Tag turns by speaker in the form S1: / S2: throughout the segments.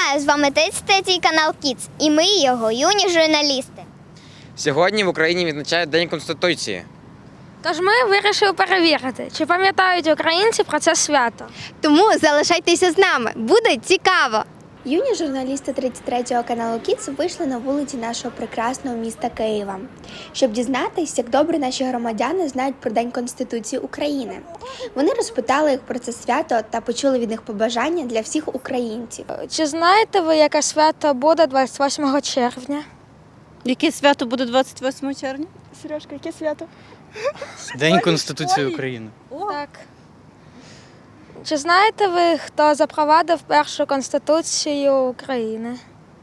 S1: Вітаю! З вами 33-й канал Kids і ми його юні журналісти.
S2: Сьогодні в Україні відзначають День Конституції.
S3: Тож ми вирішили перевірити, чи пам'ятають українці про це свято.
S4: Тому залишайтеся з нами, буде цікаво! Юні журналісти 33-го каналу Kids вийшли на вулиці нашого прекрасного міста Києва, щоб дізнатися, як добре наші громадяни знають про День Конституції України. Вони розпитали їх про це свято та почули від них побажання для всіх українців.
S3: Чи знаєте ви, яке свято буде 28 червня?
S5: Яке свято буде 28 червня?
S6: Сережка, яке свято?
S7: День Конституції України.
S3: Так. Чи знаєте ви, хто запровадив першу Конституцію України?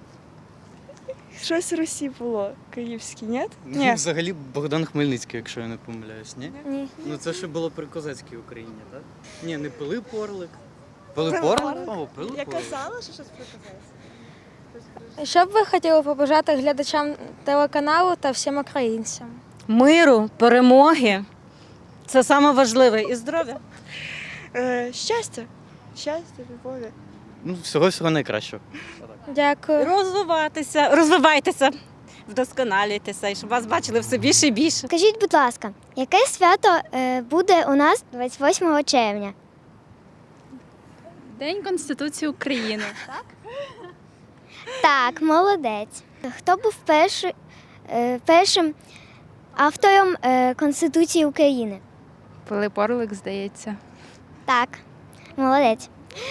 S6: Щось Русі було. Київський, ні?
S7: Ну, взагалі Богдан Хмельницький, якщо я не помиляюсь, ні?
S3: Ні.
S7: Ну це ще було при козацькій Україні, так? Ні, не Пилип Орлик. Пилип Орлик? О, Пилип
S6: Я
S7: Орлик.
S6: казала, що щось приказалось.
S3: Що б ви хотіли побажати глядачам телеканалу та всім українцям?
S5: Миру, перемоги. Це саме важливе. І здоров'я.
S6: Щастя. Щастя, любові.
S7: Ну, всього найкращого.
S3: Дякую.
S5: Розвивайтеся, вдосконалюйтеся, і щоб вас бачили все більше і більше.
S1: Скажіть, будь ласка, яке свято буде у нас 28 червня?
S8: День Конституції України.
S1: Так, молодець. Хто був першим автором Конституції України?
S8: Пилип Орлик, здається.
S1: Так, молодець.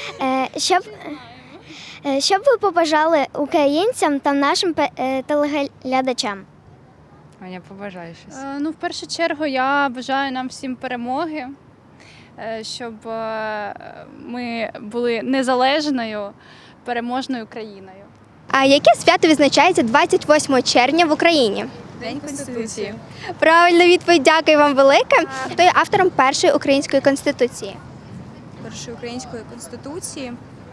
S1: Що б ви побажали українцям та нашим телеглядачам?
S8: Аня, побажаю щось. В першу чергу я бажаю нам всім перемоги, щоб ми були незалежною, переможною країною.
S4: А яке свято відзначається 28 червня в Україні?
S8: День Конституції.
S4: Правильна відповідь, дякую вам велике. Хто є автором першої української конституції?
S9: Першої української конституції.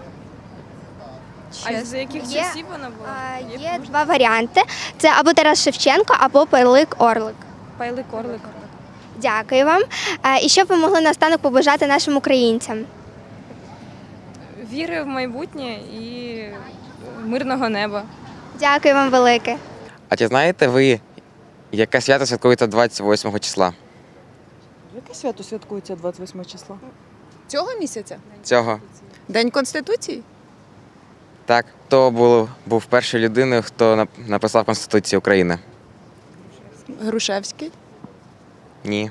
S8: А з яких часів вона була?
S4: Є два варіанти. Це або Тарас Шевченко, або Пилип Орлик.
S8: Пилип Орлик.
S4: Дякую вам. І що б ви могли наостанок побажати нашим українцям?
S8: Віри в майбутнє і мирного неба.
S4: Дякую вам велике.
S2: А чи знаєте ви, яке свято святкується 28 числа?
S6: Яке свято святкується 28 числа?
S9: Цього місяця?
S2: Цього?
S9: День Конституції?
S2: Так, хто був першою людиною, хто написав Конституцію України?
S9: Грушевський?
S2: Ні.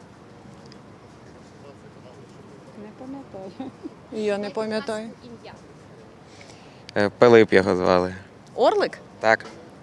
S9: Я не пам'ятаю.
S2: Пилип його звали.
S9: Орлик?
S2: Так.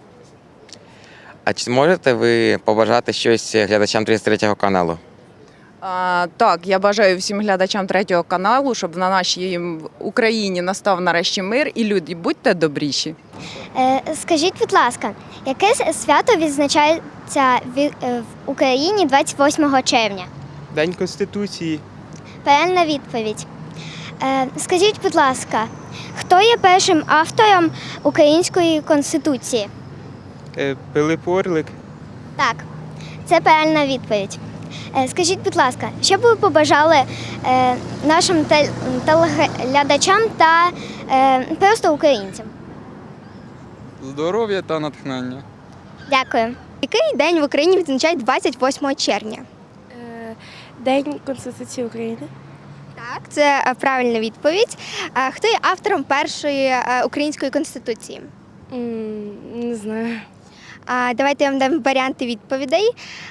S2: А чи можете ви побажати щось глядачам 33-го каналу?
S9: Так, я бажаю всім глядачам 3-го каналу, щоб на нашій Україні настав нарешті мир і люди, будьте добріші.
S1: Скажіть, будь ласка, яке свято відзначається в Україні 28 червня?
S10: День Конституції.
S1: Правильна відповідь. Скажіть, будь ласка, хто є першим автором Української Конституції?
S10: Пилип Орлик.
S1: Так, це правильна відповідь. Скажіть, будь ласка, що б ви побажали нашим телеглядачам та просто українцям?
S10: Здоров'я та натхнення.
S1: Дякую.
S4: Який день в Україні відзначають 28 червня?
S3: День Конституції України.
S4: Так, це правильна відповідь. Хто є автором першої української конституції?
S3: Не знаю.
S4: Давайте я вам дам варіанти відповідей.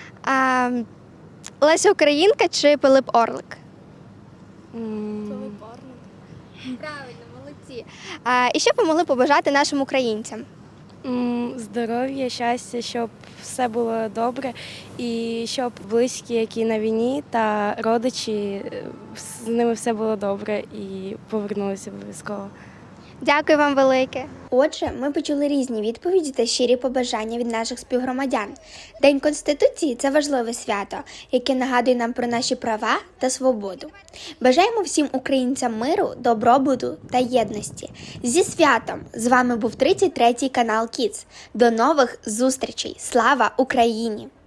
S4: Леся Українка чи Пилип Орлик?
S3: Пилип
S4: Орлик. Правильно, молодці. І що б ви могли побажати нашим українцям?
S3: Здоров'я, щастя, щоб все було добре і щоб близькі, які на війні, та родичі, з ними все було добре і повернулися обов'язково.
S4: Дякую вам велике. Отже, ми почули різні відповіді та щирі побажання від наших співгромадян. День Конституції – це важливе свято, яке нагадує нам про наші права та свободу. Бажаємо всім українцям миру, добробуту та єдності. Зі святом! З вами був 33-й канал Kids. До нових зустрічей! Слава Україні!